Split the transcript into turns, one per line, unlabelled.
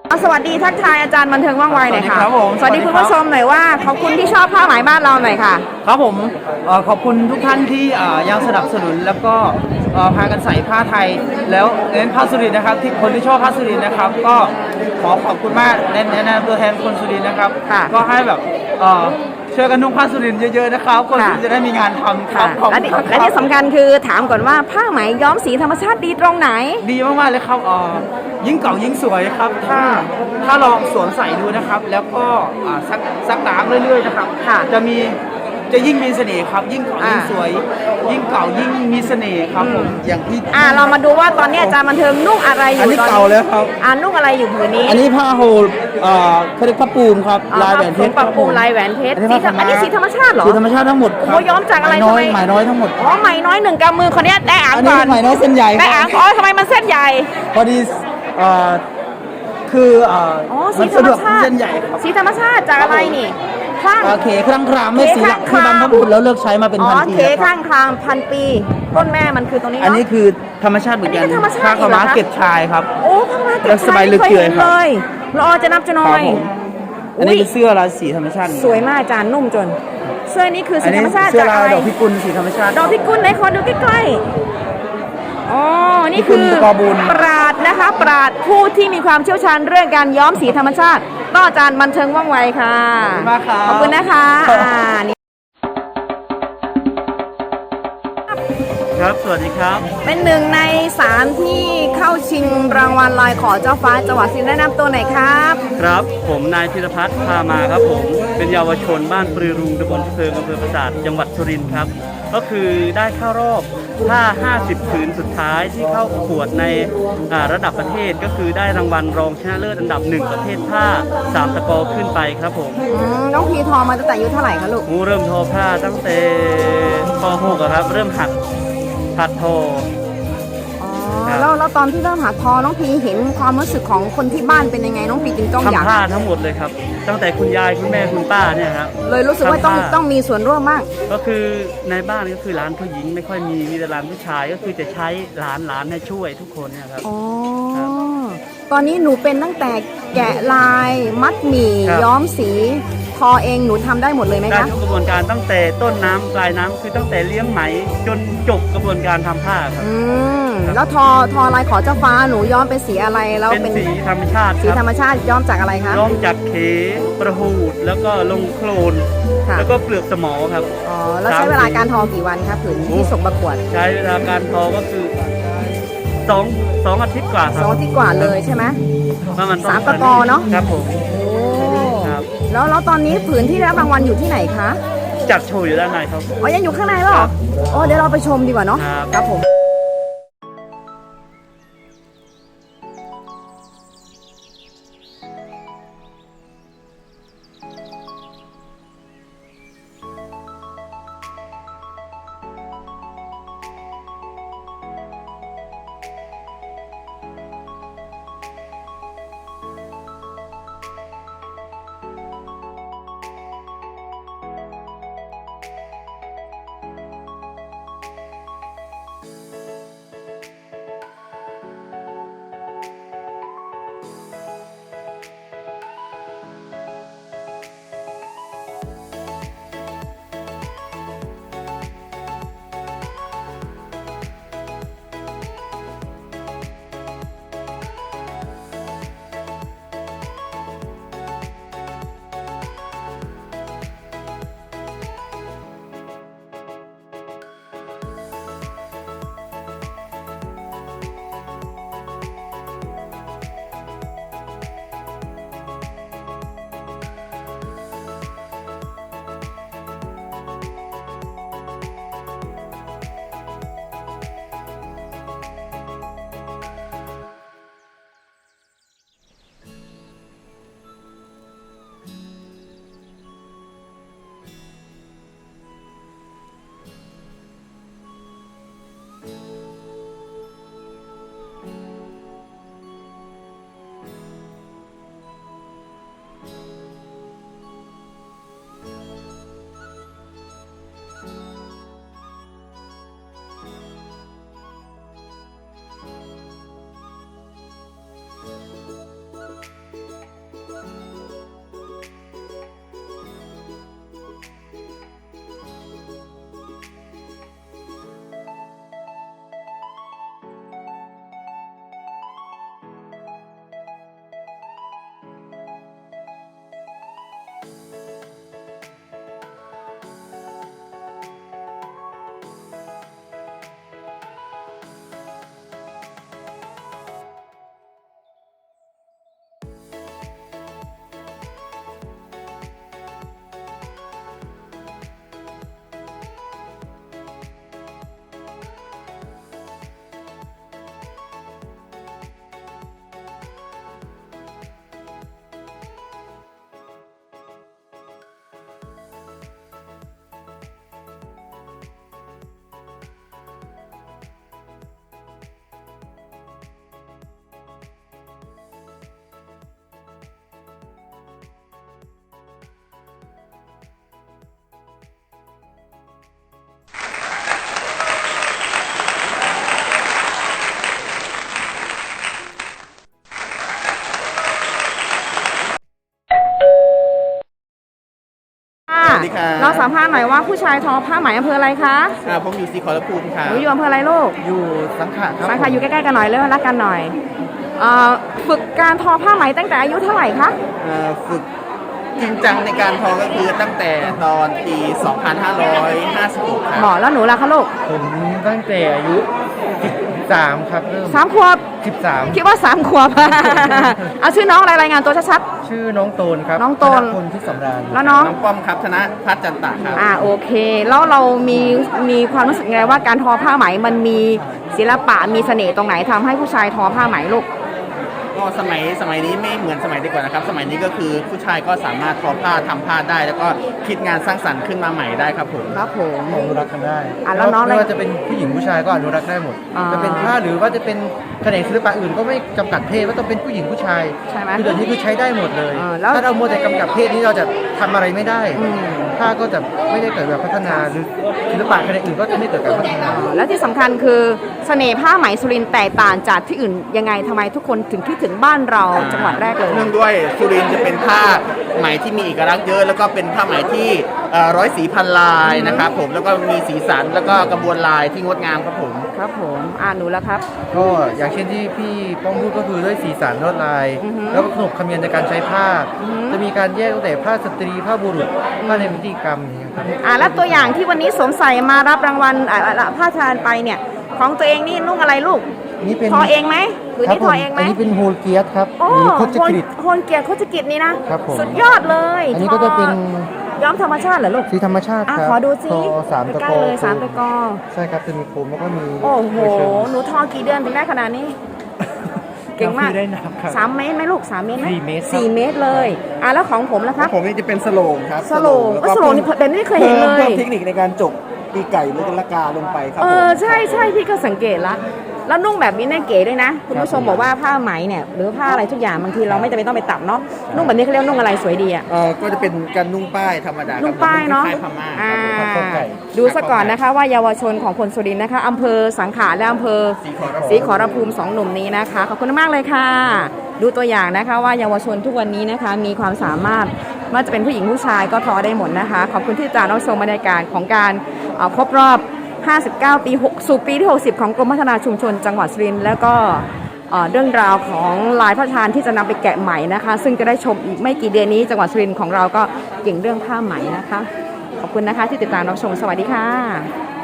สวัสดีทักทายอาจารย์บันเทิงว่องไวหน่อยค่ะ
ครับผม
สวัสดีคุณผู้ชมหน่อยว่าขอบคุณที่ชอบผ้าไหมบ้านเราหน่อยค่ะ
ครับผมขอบคุณทุกท่านที่ยังสนับสนุนแล้วก็พากันใส่ผ้าไทยแล้วเน้นผ้าสุรินทร์นะครับที่คนที่ชอบผ้าสุรินทร์นะครับก็ขอขอบคุณมากในตัวแทนคนสุรินทร์นะครับก็ให้แบบช่วยกันนุ่งผ้าสุรินทร์เยอะๆนะครับคนสุรินทร์จะได้มีงานทำครับ
และที่สำคัญคือถามก่อนว่าผ้าไหมย้อมสีธรรมชาติดีตรงไหน
ดีมากๆเลยครับยิ่งเก่ายิ่งสวยครับถ้าลองสวมใส่ดูนะครับแล้วก็ซักล้างเรื่อยๆนะครับจะยิ่งมีเสน่ห์ครับยิ่งเก่ายิ่งสวยยิ่งเก่ายิ่งมีเสน่ห์ครับผมอย่างที่
เรามาดูว่าตอนนี้อาจารย์บันเทิงนุ่งอะไรอยู่
อันนี้เก่าแล้วครับ
นุ่งอะไรอยู่ผืนนี้
อันนี้ผ้าโฮลเขาเรียกผ้าปูมครับลายแหวนเพชร
ผ้าปูมลายแหวนเพชรอันนี้สีธรรมชาติเหรอ
สีธรรมชาติทั้งหมด
โอ้ย้อมจากอะไรทำไม
ไหมน้อยทั้งหมด
ไหมน้อย1 กำมือคนนี้ได้อ่างก่อน
ไหมน้อยเส้นใหญ่
ได้อ่างทำไมมันเส้นใหญ่
พอดีคือ
สีธรรมชาติ
เส้นใหญ่ครับ
สีธรรมชาติจากอะไรนี่ข้าง
เคครั้งครามไม่สีหลักที่บรรพบุรุษแล้วเลิกใช้มาเป็นพันปี
เคข้างคราม1,000 ปีต้นแม่มันคือตรงนี้
อันนี้คือธรรมชาติเหมือนกันผ้าขาวม้าเก็บชายครับ
โอ้ผ้าม้าเก็บชาย
สบายลึกเกลือครับ
รอจะนับจะน้อย
อันนี้เป็นเสื้อลายสีธรรมชาติ
สวยมากอาจารย์นุ่มจนเสื้อนี้คือสีธรรมชาติ
จากอะไรดอกพิกุลสีธรรมชาติ
ดอกพิกุลไหนขอดูใกล้ๆนี่คือปราดนะคะปราดผู้ที่มีความเชี่ยวชาญเรื่องการย้อมสีธรรมชาติก็อาจารย์บันเทิงว่องไวค่ะ
ขอบคุณมาก
ขอบคุณนะคะ
ครับสวัสดีครับ
เป็นหนึ่งใน3ที่เข้าชิงรางวัลลายขอเจ้าฟ้าจังหวัดสุรินทร์แนะนำตัวหน่อยครับ
ครับผมนายธีรพัฒน์พามาครับผมเป็นเยาวชนบ้านปรือรุงตำบลเพลิงอำเภอปราสาทจังหวัดสุรินทร์ครับก็คือได้เข้ารอบผ้า50 ผืนสุดท้ายที่เข้าประกวดในระดับประเทศก็คือได้รางวัลรองชนะเลิศอันดับ1ประเภทผ้า3ตะกอขึ้นไปครับผม
น้องพีทอมาตั้งแต่อายุเท่าไหร่คะลูก
เริ่มทอผ้าตั้งแต่ป .6 ครับเริ่มหัดทอ
แล้วตอนที่เริ่มหัดทอน้องพีเห็นความรู้สึกของคนที่บ้านเป็นยังไงน้องพีจึงต้องอยาก
ทำผ้าทั้งหมดเลยครับตั้งแต่คุณยายคุณแม่คุณป้าเนี่ยครับ
เลยรู้สึกว่าต้องมีส่วนร่วมมาก
ก็คือในบ้านก็คือร้านผู้หญิงไม่ค่อยมีแต่ร้านผู้ชายก็คือจะใช้ร้านให้ช่วยทุกคนเนี่ยครับ
ตอนนี้หนูเป็นตั้งแต่แกะลายมัดหมี่ย้อมสีทอเองหนูทำได้หมดเลยไหมคะ
ได้ทุกกระบวนการตั้งแต่ต้นน้ำปลายน้ำคือตั้งแต่เลี้ยงไหมจนจบกระบวนการทำผ้าครับ
แล้วทอลายขอเจ้าฟ้าหนูย้อมเป็นสีอะไรแล้ว
เป็นสีธรรมชาติ
สีธรรมชาติย้อมจากอะไรคะ
ย้อมจากเขประหูดแล้วก็ลงโคลนแล้วก็เปลือกสมอครับ
แล้วใช้เวลาการทอกี่วันคะผืนที่ส่งประกวด
ใช้เวลาการทอก็คือ2 อาทิตย์กว่าครับ
2 อาทิตย์กว่าเลยใช่ไหม
ประมาณ
3 ตะกอเนาะ
ครับผม
แล้วตอนนี้ผืนที่ได้รับรางวัลอยู่ที่ไหนคะ
จัดโชว์อยู่ด้านในครับ
ยังอยู่ข้างในเหรอเดี๋ยวเราไปชมดีกว่าเนาะครับผมสัมภาษณ์หน่อยว่าผู้ชายทอผ้าไหมอำเภออะไรคะ
ผมอยู่สีขอรภูมิค่ะ
หนูอยู่อำเภออะไรลูก
อยู่สังขะครับ
สังขะอยู่ใกล้ๆกันหน่อยเลยรักกันหน่อยฝึกการทอผ้าไหมตั้งแต่อายุเท่าไหร่คะ
ฝึกจริงจังในการทอก็คือตั้งแต่ตอนปี 2556 ครับ
หมอแล้วหนูล่ะคะลูก
ผมตั้งแต่อายุ 13 ครับเริ่ม
3 ขวบ
13
คิดว่า 3 ขวบ เอาชื่อน้องอะไรรายงานตัวชัด
ชื่อน้องโตนครับ
น้องโตน
ธพลพิสำราญ
แล้วน้อง
น้องป้อมครับธนพัฒน์จันตะครับ
โอเค แล้วเรามีความรู้สึกไงว่าการทอผ้าไหมมันมีศิลปะมีเสน่ห์ตรงไหนทำให้ผู้ชายทอผ้าไหมลูก
ก็สมัยนี้ไม่เหมือนสมัยดีกว่านะครับ สมัยนี้ก็คือผู้ชายก็สามารถทอผ้าทำผ้าได้ แล้วก็คิดงานสร้างสรรค์ขึ้นมาใหม่ได้ครับผม
ครับผม
อนุรักษ์กันได้
แล้วน้อง
ไม่ว่าจะเป็นผู้หญิงผู้ชายก็อนุรักษ์ได้หมด จะเป็นผ้าหรือว่าจะเป็นแขนงศิลปะอื่นก็ไม่จำกัดเพศว่าต้องเป็นผู้หญิงผู้ชาย
ใช่ไหม
คือเดี๋ยวนี้คือใช้ได้หมดเลย
แล้ว
ถ้าเรามัวแต่กำกับเพศนี้เราจะทำอะไรไม่ได้ผ้าก็จะไม่ได้เกิดการพัฒนาหรือศิลปะแขนงอื่นก็จะไม่เกิดการพัฒนา
แล้วที่สำคัญคือเสน่ห์ผ้าไหมสุรินทร์แตกต่างจากที่อื่นยังไงทำไมทุกคนถึงคิดถึงบ้านเราจังหวัดแรกเลย
เนื่องด้วยสุรินทร์จะเป็นผ้าไหมที่มีเอกลักษณ์เยอะ แล้วก็เป็นผ้าไหมที่ร้อยสีพันลายนะครับผมแล้วก็มีสีสันแล้วก็กระบวนลายที่งดงามครับผม
ครับผมหนูแล้วครับ
ก็อย่างเช่นที่พี่ป้องพูดก็คือด้วยสีสันลวดลาย แล้วก็ขนบธรรมเนียมในการใช้ผ้า จะมีการแยกตั้งแต่ผ้าสตรีผ้าบุรุษผ้าในพิธีกรรมอย่างเงี้ยครับ
แล้วตัวอย่างที่วันนี้สวมใส่มารับรางวัลผ้าทานไปเนี่ยของตัวเองนี่นุ่งอะไรลูก
นี่เป็น
ทอเองไหมหรือ
ครับ
นี่
ผ
ท
ม
อเองไหม
อันนี้เป็นโฮลเกียสครับ
โอ้
หรือโคจกฤษ
โฮนเกียรติโคจกิจนี่นะครับ
ผม
สุดยอดเลย
อันนี้ก็จะเป็น
ย้อมธรรมชาติเหรอลูก
สีธรรมชาติครับ
ขอดูสิ
ทอสามตะ
ใกล้
กอ
ๆเลยสามตะกอ
ใช่ครับจะมีโคมแล้วก็มี
โอ้โห
ใบเชิง
หนูทอกี่เดือนถึงได้ขนาดนี้ เก่งมาก
นับไม่ได้นับครับ
3 เมตรไหมลูก 3 เมตรไหม
4 เมตรครับ
4 เมตรเลยแล้วของผมล่ะครับ
ผมนี่จะเป็นสโลงครับ
สโลงสโลงนี่เป็นไม่เคยเห็นเลย
เพิ่มเทคนิคในการจกตีไก่หรือละกาลงไปครับผม
ใช่พี่ก็สังเกตละแล้วนุ่งแบบนี้น่าเก๋ด้วยนะคุณผู้ชมบอกว่าผ้าไหมเนี่ยหรือผ้าอะไรทุกอย่างบางทีเราไม่จำเป็นต้องไปตัดเนาะนุ่งแบบนี้เขาเรียกนุ่งอะไรสวยดีอ่ะ
ก็จะเป็นการนุ่งป้ายธรรมดาครับ
นุ่งป้ายเนาะ
คล้ายๆพม่าครับผม
ดูซะก่อนนะคะว่าเยาวชนของคนสุรินทร์นะคะอำเภอสังขะและอำเภอศรีขอรภูมิ2 หนุ่มนี้นะคะขอบคุณมากเลยค่ะ ดูตัวอย่างนะคะว่าเยาวชนทุกวันนี้นะคะมีความสามารถไม่ว่าจะเป็นผู้หญิงผู้ชายก็ทอได้หมดนะคะขอบคุณที่ติดตามรับชมบรรยากาศของการครบรอบ 59 ปีสู่ปีที่ 60 ของกรมพัฒนาชุมชนจังหวัดสุรินทร์แล้วก็เรื่องราวของลายพระราชทานที่จะนำไปแกะใหม่นะคะซึ่งจะได้ชมอีกไม่กี่เดือนนี้จังหวัดสุรินทร์ของเราก็เก่งเรื่องผ้าไหมนะคะขอบคุณนะคะที่ติดตามรับชมสวัสดีค่ะ